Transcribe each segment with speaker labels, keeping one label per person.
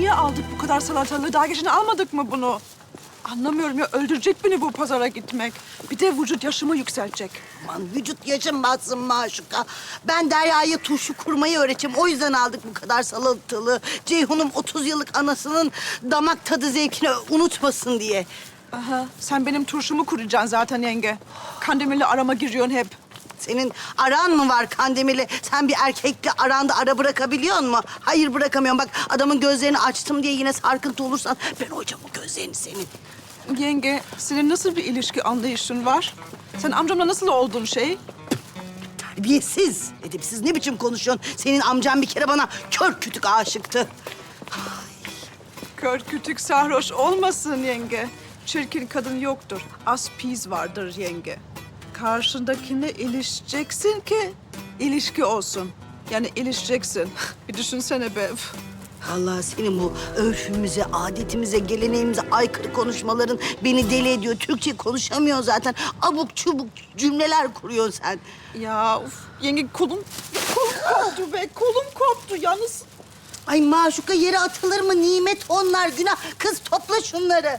Speaker 1: niye aldık bu kadar salatalığı? Daha geçen almadık mı bunu? Anlamıyorum ya, öldürecek beni bu pazara gitmek. Bir de vücut yaşımı yükseltecek.
Speaker 2: Aman vücut yaşanmazsın Maşuka. Ben Derya'ya turşu kurmayı öğreteceğim. O yüzden aldık bu kadar salatalığı. Ceyhun'um 30 yıllık anasının damak tadı zevkini unutmasın diye.
Speaker 1: Aha, sen benim turşumu kuracaksın zaten yenge. Kandemir'le arama giriyorsun hep.
Speaker 2: Senin aran mı var Kandemir'le? Sen bir erkekle aranda ara bırakabiliyor musun? Hayır bırakamıyorum. Bak adamın gözlerini açtım diye yine sarkıntı olursan ben hocam o gözlerini senin.
Speaker 1: Yenge, senin nasıl bir ilişki anlayışın var? Sen amcamla nasıl oldun şey?
Speaker 2: Terbiyesiz, edepsiz ne biçim konuşuyorsun? Senin amcan bir kere bana kör kütük aşıktı.
Speaker 1: Kör kütük sarhoş olmasın yenge. Çirkin kadın yoktur. Az piz vardır yenge. Karşındakine ilişeceksin ki ilişki olsun. Yani ilişeceksin. Bir düşünsene be. Üf.
Speaker 2: Vallahi senin bu örfümüze, adetimize, geleneğimize aykırı konuşmaların beni deli ediyor. Türkçe konuşamıyor zaten. Abuk çubuk cümleler kuruyorsun sen.
Speaker 1: Ya uf, yenge kolum koptu be. Kolum koptu yalnız.
Speaker 2: Ay Maşuka yere atılır mı? Nimet onlar, günah. Kız topla şunları.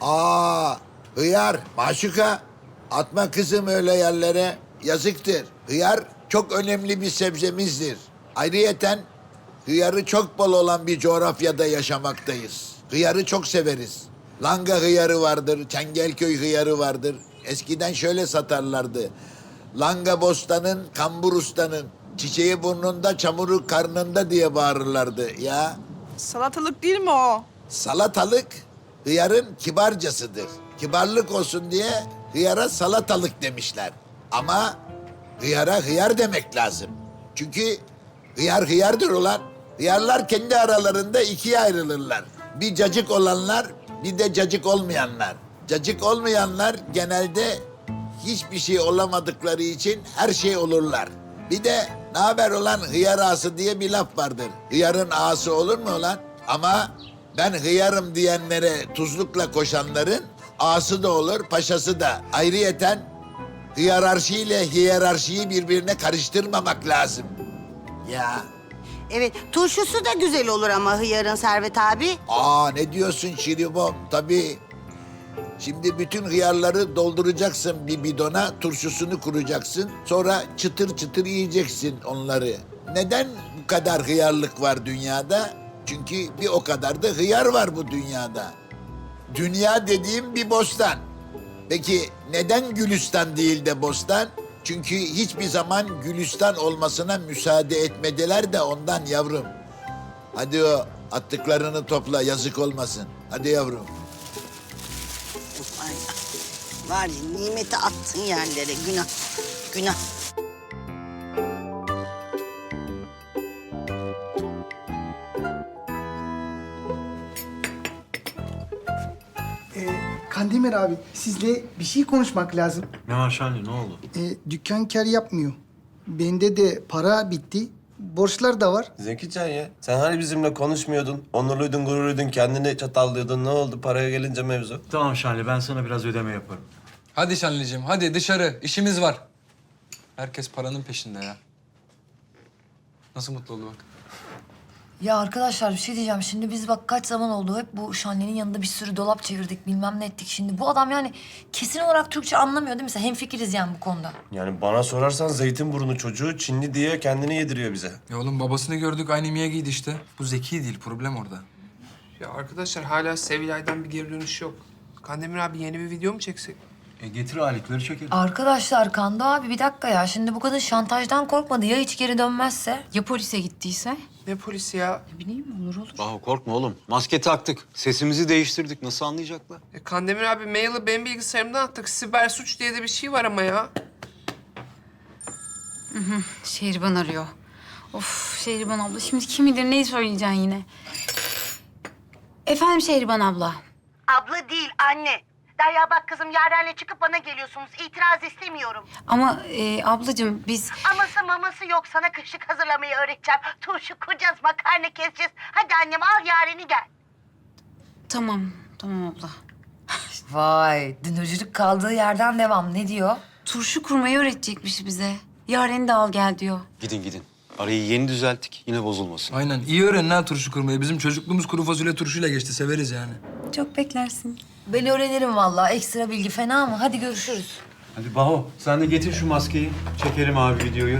Speaker 3: Hıyar, Maşuka. Atma kızım öyle yerlere. Yazıktır. Hıyar çok önemli bir sebzemizdir. Ayrıyeten hıyarı çok bol olan bir coğrafyada yaşamaktayız. Hıyarı çok severiz. Langa hıyarı vardır, Çengelköy hıyarı vardır. Eskiden şöyle satarlardı. Langa bostanın, kambur ustanın, çiçeği burnunda, çamuru karnında diye bağırırlardı ya.
Speaker 1: Salatalık değil mi o?
Speaker 3: Salatalık hıyarın kibarcasıdır. Kibarlık olsun diye hıyara salatalık demişler. Ama hıyara hıyar demek lazım. Çünkü hıyar hıyardır ulan. Hıyarlar kendi aralarında ikiye ayrılırlar. Bir cacık olanlar, bir de cacık olmayanlar. Cacık olmayanlar genelde hiçbir şey olamadıkları için her şey olurlar. Bir de ne haber olan hıyar ağası diye bir laf vardır. Hıyarın ağası olur mu ulan? Ama ben hıyarım diyenlere tuzlukla koşanların ağası da olur, paşası da. Ayrıyeten hiyerarşi ile hiyerarşiyi birbirine karıştırmamak lazım. Ya.
Speaker 2: Evet, turşusu da güzel olur ama hıyarın Servet abi.
Speaker 3: Ne diyorsun Şiribom? Tabii. Şimdi bütün hıyarları dolduracaksın bir bidona, turşusunu kuracaksın. Sonra çıtır çıtır yiyeceksin onları. Neden bu kadar hıyarlık var dünyada? Çünkü bir o kadar da hıyar var bu dünyada. Dünya dediğim bir bostan. Peki neden Gülistan değil de bostan? Çünkü hiçbir zaman Gülistan olmasına müsaade etmediler de ondan yavrum. Hadi o attıklarını topla, yazık olmasın. Hadi yavrum.
Speaker 2: Ay, var ya nimeti attın yerlere, günah, günah.
Speaker 4: Kandemir abi, sizle bir şey konuşmak lazım.
Speaker 5: Ne var Şanlı, ne oldu?
Speaker 4: Dükkan kar yapmıyor. Bende de para bitti. Borçlar da var.
Speaker 6: Zekican ya, sen hani bizimle konuşmuyordun, onurluydun, gururluydun, kendini çatallıyordun. Ne oldu paraya gelince mevzu?
Speaker 5: Tamam Şanlı, ben sana biraz ödeme yaparım.
Speaker 7: Hadi Şanlıcığım, hadi dışarı. İşimiz var. Herkes paranın peşinde ya. Nasıl mutlu oldu bak.
Speaker 8: Ya arkadaşlar bir şey diyeceğim. Şimdi biz bak kaç zaman oldu hep bu Şanlı'nın yanında bir sürü dolap çevirdik, bilmem ne ettik. Şimdi bu adam yani kesin olarak Türkçe anlamıyor değil mi? Sen hemfikiriz yani bu konuda.
Speaker 6: Yani bana sorarsan Zeytinburnu çocuğu Çinli diye kendini yediriyor bize.
Speaker 7: Ya oğlum babasını gördük, aynı miye giydi işte. Bu zeki değil, problem orada.
Speaker 9: Ya arkadaşlar hala Sevilay'dan bir geri dönüş yok. Kandemir abi yeni bir video mu çeksek?
Speaker 5: Getir aletleri çekelim.
Speaker 8: Arkadaşlar Kando abi bir dakika ya. Şimdi bu kadın şantajdan korkmadı. Ya hiç geri dönmezse?
Speaker 10: Ya polise gittiyse?
Speaker 9: Ne polisi ya?
Speaker 10: Ne bileyim olur.
Speaker 11: Bahu korkma oğlum. Maske taktık. Sesimizi değiştirdik. Nasıl anlayacaklar?
Speaker 9: Kandemir abi maili benim bilgisayarımdan attık. Siber suç diye de bir şey var ama ya.
Speaker 10: Şehriban arıyor. Of Şehriban abla şimdi kim bilir neyi söyleyeceksin yine. Efendim Şehriban abla.
Speaker 2: Abla değil, anne. Derya bak kızım, Yaren'le çıkıp bana geliyorsunuz. İtiraz istemiyorum.
Speaker 10: Ama ablacığım biz...
Speaker 2: Aması maması yok. Sana kışlık hazırlamayı öğreteceğim. Turşu kuracağız, makarna keseceğiz. Hadi annem al Yaren'i gel.
Speaker 10: Tamam abla.
Speaker 8: Vay dünürcülük kaldığı yerden devam. Ne diyor?
Speaker 10: Turşu kurmayı öğretecekmiş bize. Yaren'i de al gel diyor.
Speaker 11: Gidin. Arayı yeni düzelttik. Yine bozulmasın.
Speaker 7: Aynen. İyi öğrenin ha turşu kurmayı. Bizim çocukluğumuz kuru fasulye turşuyla geçti. Severiz yani.
Speaker 10: Çok beklersin.
Speaker 8: Ben öğrenirim vallahi. Ekstra bilgi fena mı? Hadi görüşürüz.
Speaker 5: Hadi Baho sen de getir şu maskeyi. Çekelim abi videoyu.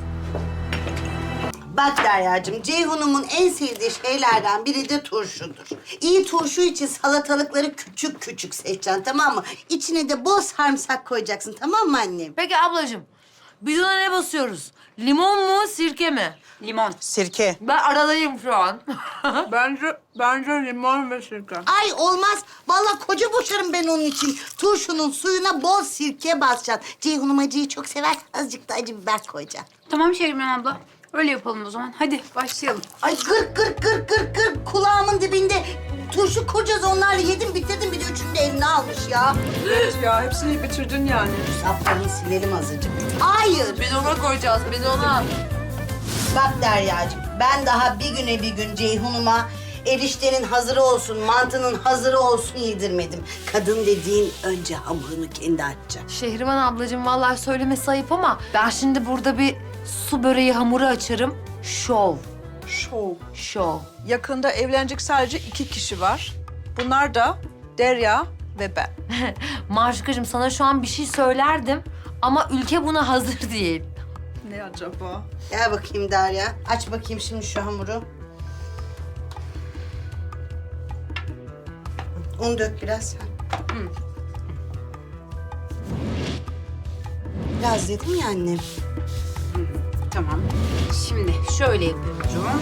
Speaker 2: Bak Derya'cığım, Ceyhun'umun en sevdiği şeylerden biri de turşudur. İyi turşu için salatalıkları küçük küçük seçeceksin, tamam mı? İçine de bol sarımsak koyacaksın, tamam mı annem?
Speaker 8: Peki ablacığım, bidona ne basıyoruz? Limon mu, sirke mi?
Speaker 10: Limon.
Speaker 1: Sirke.
Speaker 8: Ben aradayım şu an.
Speaker 1: Bence limon ve sirke.
Speaker 2: Ay olmaz. Vallahi koca boşarım ben onun için. Turşunun suyuna bol sirke basacaksın. Ceyhun'um acıyı çok sever. Azıcık da acı biber koyacaksın.
Speaker 10: Tamam Şehriban abla. Öyle yapalım o zaman. Hadi başlayalım.
Speaker 2: Ay gır kulağımın dibinde turşu kuracağız onlarla. Yedim bitirdim bir de üçünü de eline almış ya.
Speaker 1: Evet ya hepsini bitirdin yani.
Speaker 2: Saflarını silelim azıcık. Hayır.
Speaker 8: Bidona koyacağız, bidona.
Speaker 2: Bak Derya'cığım, ben daha bir gün Ceyhun'uma eriştenin hazırı olsun, mantının hazırı olsun yedirmedim. Kadın dediğin önce hamurunu kendi açacak.
Speaker 8: Şehriban ablacığım vallahi söylemesi ayıp ama ben şimdi burada bir su böreği hamuru açarım. Şov, şov.
Speaker 1: Yakında evlenecek sadece 2 kişi var. Bunlar da Derya ve ben.
Speaker 8: Maşukacığım sana şu an bir şey söylerdim ama ülke buna hazır değil.
Speaker 1: Ne acaba?
Speaker 2: Gel bakayım Derya. Aç bakayım şimdi şu hamuru. Un dök biraz. Biraz dedim ya annem.
Speaker 10: Tamam. Şimdi şöyle yapıyorum.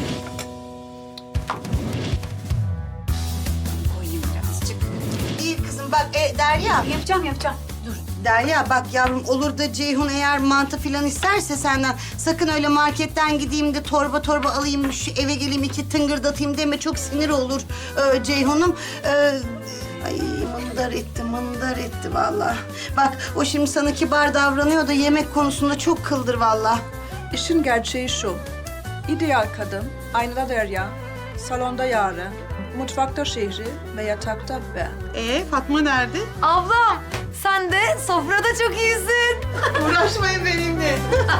Speaker 10: Koyayım birazcık.
Speaker 2: İyi kızım bak Derya.
Speaker 10: Yapacağım.
Speaker 2: Derya bak yavrum olur da Ceyhun eğer mantı falan isterse senden sakın öyle marketten gideyim de torba alayım şu eve geleyim 2 tıngırdatayım deme çok sinir olur Ceyhun'um. Ay mındar etti vallahi. Bak o şimdi sana kibar davranıyor da yemek konusunda çok kıldır vallahi.
Speaker 1: İşin gerçeği şu. İdeal kadın, aynada Derya, salonda Yaren, mutfakta Şehri ve yatakta ben.
Speaker 2: Fatma nerede?
Speaker 8: Ablam sen de sofrada çok iyisin.
Speaker 2: Uğraşmayın benimle.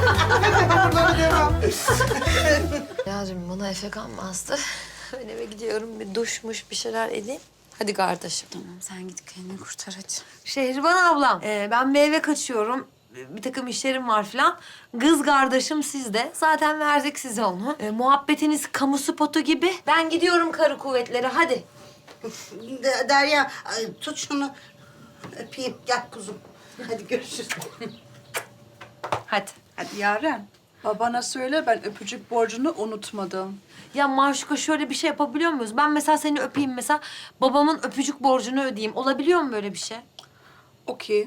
Speaker 8: Yağcığım bana efekan mı astı? Ben eve gidiyorum bir duşmuş bir şeyler edeyim. Hadi kardeşim.
Speaker 10: Tamam sen git kendini kurtar hadi.
Speaker 8: Şehriban ablam, ben bir eve kaçıyorum. Bir takım işlerim var falan. Kız kardeşim sizde. Zaten verdik size onu. Muhabbetiniz kamu spotu gibi. Ben gidiyorum karı kuvvetlere. Hadi.
Speaker 2: Derya tut şunu öpeyim gel kuzum. Hadi görüşürüz.
Speaker 8: Hadi.
Speaker 1: Hadi Yaren, babana söyle ben öpücük borcunu unutmadım.
Speaker 8: Ya Maşuka şöyle bir şey yapabiliyor muyuz? Ben mesela seni öpeyim mesela. Babamın öpücük borcunu ödeyeyim. Olabiliyor mu böyle bir şey?
Speaker 1: Okey.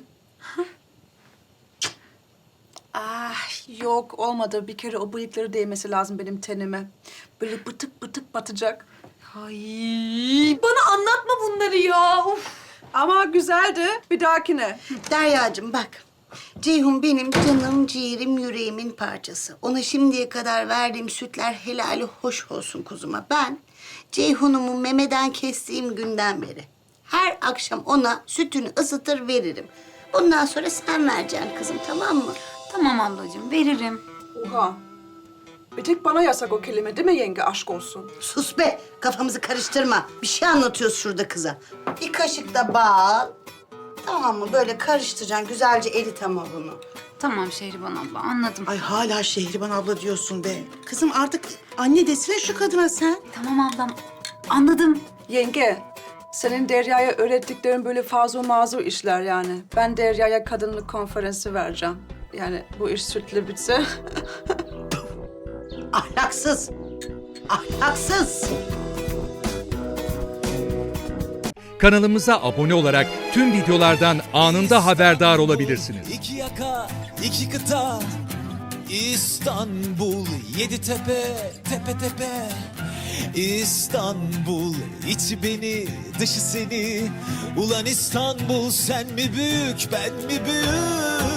Speaker 1: Yok olmadı. Bir kere o bıyıkları değmesi lazım benim tenime. Böyle bıtık batacak.
Speaker 8: Ay bana anlatma bunları ya. Uf.
Speaker 1: Ama güzeldi. Bir dahakine.
Speaker 2: Deryacığım bak. Ceyhun benim canım, ciğerim, yüreğimin parçası. Ona şimdiye kadar verdiğim sütler helali hoş olsun kuzuma. Ben Ceyhun'umu memeden kestiğim günden beri her akşam ona sütünü ısıtır veririm. Bundan sonra sen vereceksin kızım, tamam mı?
Speaker 10: Tamam ablacığım veririm.
Speaker 1: Oha. Bir tek bana yasak o kelime değil mi yenge? Aşk olsun.
Speaker 2: Sus be, kafamızı karıştırma. Bir şey anlatıyoruz şurada kıza. Bir kaşık da bal. Tamam mı? Böyle karıştıracaksın. Güzelce erit ama bunu.
Speaker 10: Tamam Şehriban abla anladım.
Speaker 12: Ay hala Şehriban abla diyorsun be. Kızım artık anne desene şu kadına sen.
Speaker 10: Tamam ablam anladım.
Speaker 1: Yenge, senin Derya'ya öğrettiklerin böyle fazla mazur işler yani. Ben Derya'ya kadınlık konferansı vereceğim. Yani bu iş sütle bitse.
Speaker 2: Ahlaksız. Ahlaksız.
Speaker 13: Kanalımıza abone olarak tüm videolardan anında haberdar olabilirsiniz.
Speaker 14: İki yaka, iki kıta, İstanbul, 7 tepe, tepe tepe. İstanbul, içi beni, dışı seni. Ulan İstanbul, sen mi büyük, ben mi büyük?